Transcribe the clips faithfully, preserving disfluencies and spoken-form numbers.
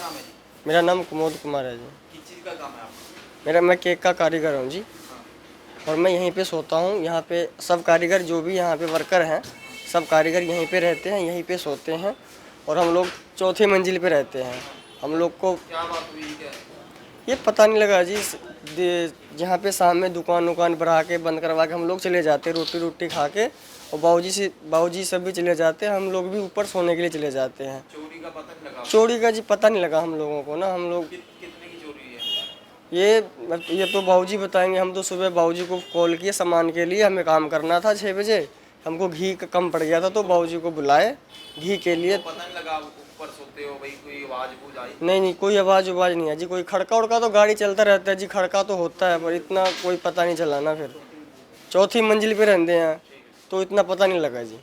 नाम है जी? मेरा नाम कुमोद कुमार है जी। किस चीज़ का काम है आपका? मेरा मैं केक का कारीगर हूँ जी, और मैं यहीं पे सोता हूँ। यहाँ पे सब कारीगर जो भी यहाँ पे वर्कर हैं, सब कारीगर यहीं पे रहते हैं, यहीं पे सोते हैं, और हम लोग चौथी मंजिल पे रहते हैं। हम लोग को क्या बात हुई क्या? ये पता नहीं लगा जी। जहाँ पे शाम में दुकान उकान बढ़ा के बंद करवा के हम लोग चले जाते, रोटी रोटी खा के, और बाबूजी से बाबूजी सब भी चले जाते हैं, हम लोग भी ऊपर सोने के लिए चले जाते हैं। चोरी का पता नहीं लगा? चोरी का जी पता नहीं लगा हम लोगों को ना। हम लोग कि, कितने की चोरी हुई है? ये ये तो बाबूजी बताएंगे। हम तो सुबह बाबूजी को कॉल किए सामान के लिए, हमें काम करना था छः बजे, हमको घी का कम पड़ गया था तो बाबूजी को बुलाए घी के लिए। तो पता नहीं लगा आप ऊपर सोते हो भाई, कोई आवाज़ बूझ आई? नहीं नहीं, कोई आवाज़ उवाज नहीं है जी। कोई खड़का उड़का तो गाड़ी चलता रहता है जी, खड़का तो होता है, पर इतना कोई पता नहीं चला ना। फिर चौथी मंजिल पे रहते हैं तो इतना पता नहीं लगा जी।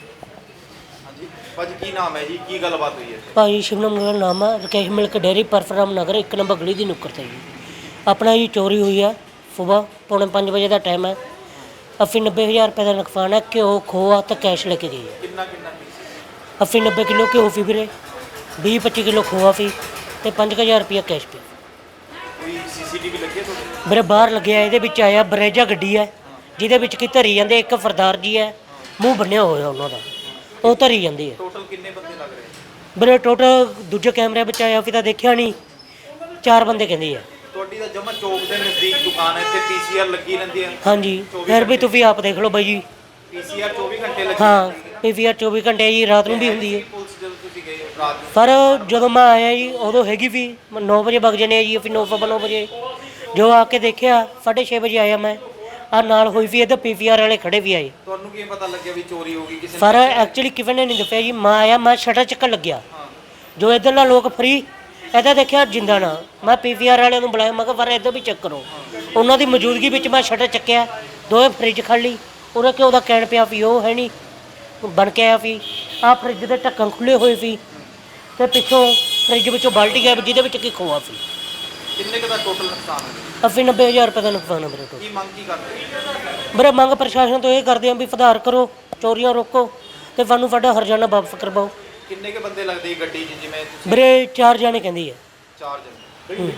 हाँ जी भाजी, की नाम है जी, की गलबात हुई है? ਭਾਈ ਸ਼ਿਵਨਮ ਮੇਰਾ ਨਾਮ ਹੈ। ਰਕੇਸ਼ ਮਿਲਕ ਡੇਅਰੀ ਪਰਫਰਾਮ ਨਗਰ ਇੱਕ ਨੰਬਰ ਗਲੀ ਦੀ ਨੁੱਕਰ 'ਤੇ ਜੀ ਆਪਣਾ ਜੀ ਚੋਰੀ ਹੋਈ ਹੈ। ਸੁਬਾਹ ਪੌਣੇ ਪੰਜ ਵਜੇ ਦਾ ਟਾਈਮ ਹੈ। ਅੱਸੀ ਨੱਬੇ ਹਜ਼ਾਰ ਰੁਪਏ ਦਾ ਨੁਕਸਾਨ ਹੈ। ਘਿਓ ਖੋਆ ਤੇ ਕੈਸ਼ ਲੈ ਕੇ ਗਏ ਹੈ। ਕਿੰਨਾ ਕਿੰਨਾ ਅੱਸੀ ਨੱਬੇ ਕਿਲੋ ਘਿਓ ਸੀ ਵੀਰੇ, ਵੀਹ ਪੱਚੀ ਕਿਲੋ ਖੋਆ ਸੀ ਤੇ ਪੰਜ ਕੁ ਹਜ਼ਾਰ ਰੁਪਇਆ ਕੈਸ਼ ਪਿਆ। ਕੋਈ ਸੀਸੀਟੀਵੀ ਲੱਗੀ ਹੈ ਤੁਹਾਡੇ? ਵੀਰੇ ਬਾਹਰ ਲੱਗਿਆ, ਇਹਦੇ ਵਿੱਚ ਆਇਆ ਬਰੇਜਾ ਗੱਡੀ ਹੈ ਜਿਹਦੇ ਵਿੱਚ ਕੀ ਧਰੀ ਜਾਂਦੇ। ਇੱਕ ਸਰਦਾਰ ਜੀ ਹੈ, ਮੂੰਹ ਬੰਨਿਆ ਹੋਇਆ ਉਹਨਾਂ ਦਾ, ਉਹ ਧਰੀ ਜਾਂਦੀ ਹੈ। ਟੋਟਲ ਕਿੰਨੇ ਬੰਦੇ ਲੱਗ ਰਹੇ? ਵੀਰੇ ਟੋਟਲ ਦੂਜੇ ਕੈਮਰੇ ਵਿੱਚ ਆਇਆ ਸੀ ਤਾਂ ਦੇਖਿਆ ਨਹੀਂ, ਚਾਰ ਬੰਦੇ ਕਹਿੰਦੇ ਆ। ਤੁਹਾਡੀ ਤਾਂ ਜਮਾ ਚੌਕ ਦੇ ਨਜ਼ਦੀਕ ਦੁਕਾਨ ਹੈ, ਇੱਥੇ ਪੀਸੀਆਰ ਲੱਗੀ ਰਹਿੰਦੀ ਹੈ? ਹਾਂਜੀ, ਫਿਰ ਵੀ ਤੁਸੀਂ ਆਪ ਦੇਖ ਲਓ ਬਾਈ ਜੀ। ਪੀਸੀਆਰ ਚੌਵੀ ਘੰਟੇ ਲੱਗੀ? ਹਾਂ, ਪੀਵੀਆਰ ਚੌਵੀ ਘੰਟੇ ਜੀ, ਰਾਤ ਨੂੰ ਵੀ ਹੁੰਦੀ ਹੈ। ਪੁਲਿਸ ਜਦੋਂ ਤੁਸੀਂ ਗਏ ਰਾਤ ਨੂੰ? ਪਰ ਜਦੋਂ ਮੈਂ ਆਇਆ ਜੀ ਉਦੋਂ ਹੈਗੀ ਵੀ ਨੌ ਵਜੇ ਵਗ ਜਾਂਦੇ ਆ ਜੀ, ਫਿਰ ਨੌ ਸਵਾ ਨੌ ਵਜੇ ਜੋ ਆ ਕੇ ਦੇਖਿਆ, ਸਾਢੇ ਛੇ ਵਜੇ ਆਇਆ ਮੈਂ। ਆ ਨਾਲ ਹੋਈ ਵੀ ਇੱਧਰ ਪੀਵੀਆਰ ਵਾਲੇ ਖੜੇ ਵੀ ਆਏ। ਤੁਹਾਨੂੰ ਕੀ ਪਤਾ ਲੱਗਿਆ ਵੀ ਚੋਰੀ ਹੋ ਗਈ? ਕਿਸੇ ਪਰ ਐਕਚੁਅਲੀ ਕਿਵੇਂ ਨੇ ਨਹੀਂ ਦੱਸਿਆ ਜੀ। ਮੈਂ ਆਇਆ, ਮੈਂ ਸ਼ਟਰ ਚੱਕਣ ਲੱਗਿਆ, ਜੋ ਇੱਧਰਲਾ ਲੋਕ ਫਰੀ ਇੱਦਾਂ ਦੇਖਿਆ ਜਿੰਦਾ ਨਾ। ਮੈਂ ਪੀਵੀਆਰ ਵਾਲਿਆਂ ਨੂੰ ਬੁਲਾਇਆ, ਮੈਂ ਕਿਹਾ ਪਰ ਇੱਧਰ ਵੀ ਚੈੱਕ ਕਰੋ। ਉਹਨਾਂ ਦੀ ਮੌਜੂਦਗੀ ਵਿੱਚ ਮੈਂ ਸ਼ਟਰ ਚੱਕਿਆ, ਦੋਵੇਂ ਫਰਿੱਜ ਖੜ ਲਈ। ਉਹਦਾ ਘਿਓ ਦਾ ਕੈਨ ਪਿਆ ਵੀ ਉਹ ਹੈ ਨਹੀਂ ਬਣ ਕੇ ਆਇਆ ਸੀ। ਆਹ ਫਰਿੱਜ ਦੇ ਢੱਕਣ ਖੁੱਲ੍ਹੇ ਹੋਏ ਸੀ ਅਤੇ ਪਿੱਛੋਂ ਫਰਿੱਜ ਵਿੱਚੋਂ ਬਾਲਟੀ ਗਿਆ ਜਿਹਦੇ ਵਿੱਚ ਕੀ ਖੋਆ ਸੀ। ਕਿੰਨੇ ਕੁ ਦਾ ਟੋਟਲ ਨੁਕਸਾਨ ਹੈ? ਅੱਸੀ ਨੱਬੇ ਹਜ਼ਾਰ ਰੁਪਏ ਦਾ ਨੁਕਸਾਨ ਹੈ ਮੇਰੇ ਕੋਲ। ਕੀ ਮੰਗ ਕੀ ਕਰਦੇ? ਵੀਰੇ ਮੰਗ ਪ੍ਰਸ਼ਾਸਨ ਤੋਂ ਇਹ ਕਰਦੇ ਹਾਂ ਵੀ ਸੁਧਾਰ ਕਰੋ, ਚੋਰੀਆਂ ਰੋਕੋ ਅਤੇ ਸਾਨੂੰ ਸਾਡਾ ਹਰਜਾਨਾ ਵਾਪਸ ਕਰਵਾਓ। ਕਿੰਨੇ ਕੁ ਬੰਦੇ ਲੱਗਦੇ ਗੱਡੀ 'ਚ? ਜਿਵੇਂ ਤੁਸੀਂ ਵੀਰੇ ਚਾਰ ਜਾਣੇ ਕਹਿੰਦੀ ਹੈ। ਚਾਰ ਜਣੇ।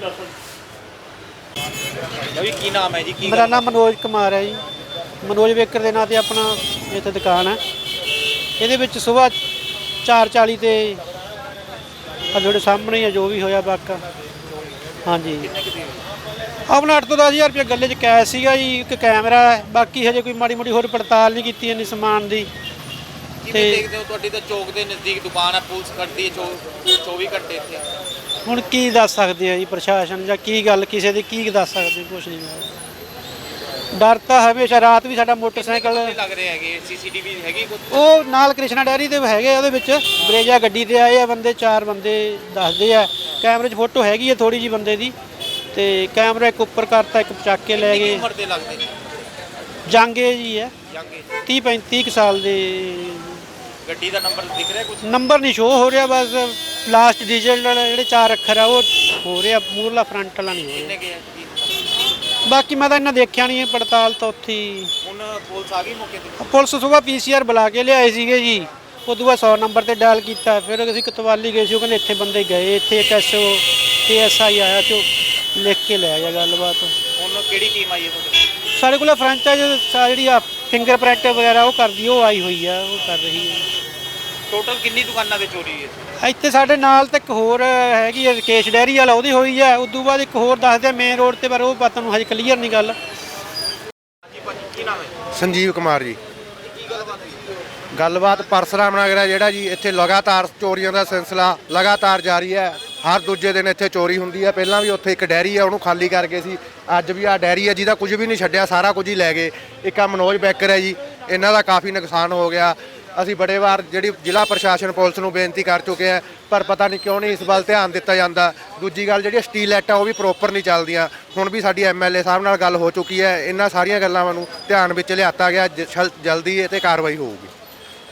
ਜੀ ਕੀ ਨਾਮ ਹੈ ਜੀ? ਕੀ ਮੇਰਾ ਨਾਮ ਮਨੋਜ ਕੁਮਾਰ ਹੈ ਜੀ। ਮਨੋਜ ਬੇਕਰ ਦੇ ਨਾਂ 'ਤੇ ਆਪਣਾ ਇੱਥੇ ਦੁਕਾਨ ਹੈ। ਇਹਦੇ ਵਿੱਚ ਸੁਬਾਹ ਚਾਰ ਚਾਲੀ 'ਤੇ ਆ ਤੁਹਾਡੇ ਸਾਹਮਣੇ ਆ ਜੋ ਵੀ ਹੋਇਆ ਵਾਕਾ। ਹਾਂਜੀ, ਆਪਣਾ ਅੱਠ ਤੋਂ ਦਸ ਹਜ਼ਾਰ ਰੁਪਏ ਗੱਲੇ 'ਚ ਕੈਸ਼ ਸੀਗਾ ਜੀ, ਇੱਕ ਕੈਮਰਾ ਹੈ। ਬਾਕੀ ਹਜੇ ਕੋਈ ਮਾੜੀ ਮੋਟੀ ਹੋਰ ਪੜਤਾਲ ਨਹੀਂ ਕੀਤੀ ਇੰਨੀ ਸਮਾਨ ਦੀ। ਕਿਵੇਂ ਦੇਖਦੇ ਹੋ? ਤੁਹਾਡੀ ਤਾਂ ਚੌਕ ਦੇ ਨਜ਼ਦੀਕ ਦੁਕਾਨ ਹੈ, ਪੁਲਿਸ ਖੜਦੀ ਹੈ ਚੌਵੀ ਘੰਟੇ ਇੱਥੇ। ਹੁਣ ਕੀ ਦੱਸ ਸਕਦੇ ਆ ਜੀ ਪ੍ਰਸ਼ਾਸਨ, ਜਾਂ ਕੀ ਗੱਲ ਕਿਸੇ ਦੀ ਕੀ ਦੱਸ ਸਕਦੇ? ਕੁਛ ਨਹੀਂ। ਡਰ ਤਾਂ ਹਮੇਸ਼ਾ। ਰਾਤ ਵੀ ਸਾਡਾ ਮੋਟਰਸਾਈਕਲ ਲੱਗ ਰਹੇ ਹੈਗੇ, ਸੀਸੀਟੀਵੀ ਹੈਗੀ ਕੁਝ? ਉਹ ਨਾਲ ਕ੍ਰਿਸ਼ਨਾ ਡੈਰੀ ਦੇ ਹੈਗੇ, ਉਹਦੇ ਵਿੱਚ ਬਰੇਜਾ ਗੱਡੀ ਤੇ ਆਏ ਆ ਬੰਦੇ, ਚਾਰ ਬੰਦੇ ਦੱਸਦੇ ਆ। ਕੈਮਰੇ 'ਚ ਫੋਟੋ ਹੈਗੀ ਹੈ ਥੋੜੀ ਜੀ ਬੰਦੇ ਦੀ, ਤੇ ਕੈਮਰਾ ਇੱਕ ਉੱਪਰ ਕਰਤਾ, ਇੱਕ ਚੱਕ ਕੇ ਲੈ ਗਏ। ਉਮਰ ਦੇ ਲੱਗਦੇ ਨੇ? ਜਾਂਗੇ ਜੀ ਹੈ, ਜਾਂਗੇ। ਤੀਹ ਪੈਂਤੀ ਕੁ ਸਾਲ ਦੇ। ਗੱਡੀ ਦਾ ਨੰਬਰ ਦਿਖ ਰਿਹਾ ਕੁਝ? ਨੰਬਰ ਨਹੀਂ ਸ਼ੋਅ ਹੋ ਰਿਹਾ, ਬਸ ਲਾਸਟ ਡਿਜੀਟਲ ਵਾਲੇ ਜਿਹੜੇ ਚਾਰ ਅੱਖਰ ਆ ਉਹ ਹੋ ਰਿਹਾ, ਮੂਰਲਾ ਫਰੰਟ ਵਾਲਾ ਨਹੀਂ ਹੋ ਰਿਹਾ। ਕਿੰਨੇ ਕੇ? ਬਾਕੀ ਮੈਂ ਤਾਂ ਇਹਨਾਂ ਦੇਖਿਆ ਨਹੀਂ, ਪੜਤਾਲ ਤਾਂ ਉੱਥੇ ਹੀ। ਹੁਣ ਪੁਲਿਸ ਆ ਗਈ ਮੌਕੇ ਤੇ? ਪੁਲਿਸ ਸੁਬਾਹ ਪੀਸੀਆਰ ਬੁਲਾ ਕੇ ਲਿਆਏ ਸੀਗੇ ਜੀ। ਉਦੋਂ ਬਾਅਦ ਸੌ ਨੰਬਰ ਤੇ ਡਾਇਲ ਕੀਤਾ। ਫਿਰ ਅਸੀਂ ਕਤਵਾਲੀ ਗਏ ਸੀ, ਉਹ ਕਹਿੰਦੇ ਇੱਥੇ ਬੰਦੇ ਗਏ, ਇੱਥੇ ਇੱਕ ਐਸਓ ਏ ਐਸ ਆਈ ਆਇਆ ਤੇ ਉਹ ਲਿਖ ਕੇ ਲੈ ਗਿਆ ਗੱਲਬਾਤ। ਹੁਣ ਕਿਹੜੀ ਟੀਮ ਆਈ ਹੈ ਤੁਹਾਡੇ? ਸਾਡੇ ਕੋਲ ਫਰੈਂਚਾਈਜ਼ ਜਿਹੜੀ ਆ ਫਿੰਗਰ ਪ੍ਰਿੰਟ ਵਗੈਰਾ ਉਹ ਕਰਦੀ, ਉਹ ਆਈ ਹੋਈ ਆ, ਉਹ ਕਰ ਰਹੀ ਹੈ। ਟੋਟਲ ਕਿੰਨੀ ਦੁਕਾਨਾਂ 'ਤੇ ਚੋਰੀ ਹੋਈ ਹੈ? ਇੱਥੇ ਸਾਡੇ ਨਾਲ ਤਾਂ ਇੱਕ ਹੋਰ ਹੈਗੀ ਆ ਰਕੇਸ਼ ਡੈਰੀ ਵਾਲਾ, ਉਹਦੀ ਹੋਈ ਆ। ਉਦੋਂ ਬਾਅਦ ਇੱਕ ਹੋਰ ਦੱਸਦੇ ਮੇਨ ਰੋਡ ਤੇ, ਪਰ ਉਹ ਪਤਾ ਨੂੰ ਹਜੇ ਕਲੀਅਰ ਨਹੀਂ ਗੱਲ। ਹਾਂਜੀ ਭਾਜੀ, ਕੀ ਨਾਮ ਹੈ? ਸੰਜੀਵ ਕੁਮਾਰ ਜੀ। ਕੀ ਗੱਲਬਾਤ ਹੋਈ? ਗੱਲਬਾਤ ਪਰਸਰਾਮ ਨਗਰ ਹੈ ਜਿਹੜਾ ਜੀ, ਇੱਥੇ ਲਗਾਤਾਰ ਚੋਰੀਆਂ ਦਾ ਸਿਲਸਿਲਾ ਲਗਾਤਾਰ ਜਾਰੀ ਹੈ। ਹਰ ਦੂਜੇ ਦਿਨ ਇੱਥੇ ਚੋਰੀ ਹੁੰਦੀ ਹੈ। ਪਹਿਲਾਂ ਵੀ ਉੱਥੇ ਇੱਕ ਡੈਰੀ ਹੈ, ਉਹਨੂੰ ਖਾਲੀ ਕਰ ਗਏ ਸੀ। ਅੱਜ ਵੀ ਆਹ ਡੈਰੀ ਹੈ ਜਿਹਦਾ ਕੁਝ ਵੀ ਨਹੀਂ ਛੱਡਿਆ, ਸਾਰਾ ਕੁਝ ਹੀ ਲੈ ਗਏ। ਇੱਕ ਆ ਮਨੋਜ ਬੇਕਰ ਹੈ ਜੀ, ਇਹਨਾਂ ਦਾ ਕਾਫੀ ਨੁਕਸਾਨ ਹੋ ਗਿਆ। ਅਸੀਂ ਬੜੇ ਵਾਰ ਜਿਹੜੀ ਜ਼ਿਲ੍ਹਾ ਪ੍ਰਸ਼ਾਸਨ ਪੁਲਿਸ ਨੂੰ ਬੇਨਤੀ ਕਰ ਚੁੱਕੇ ਹਾਂ, ਪਰ ਪਤਾ ਨਹੀਂ ਕਿਉਂ ਨਹੀਂ ਇਸ ਵੱਲ ਧਿਆਨ ਦਿੱਤਾ ਜਾਂਦਾ। ਦੂਜੀ ਗੱਲ ਜਿਹੜੀ ਸਟੀਲ ਲਾਈਟਾਂ ਉਹ ਵੀ ਪ੍ਰੋਪਰ ਨਹੀਂ ਚੱਲਦੀਆਂ। ਹੁਣ ਵੀ ਸਾਡੀ ਐਮ ਐਲ ਏ ਸਾਹਿਬ ਨਾਲ ਗੱਲ ਹੋ ਚੁੱਕੀ ਹੈ, ਇਹਨਾਂ ਸਾਰੀਆਂ ਗੱਲਾਂ ਨੂੰ ਧਿਆਨ ਵਿੱਚ ਲਿਆਤਾ ਗਿਆ। ਜਲਦੀ ਇਹ 'ਤੇ ਕਾਰਵਾਈ ਹੋਊਗੀ।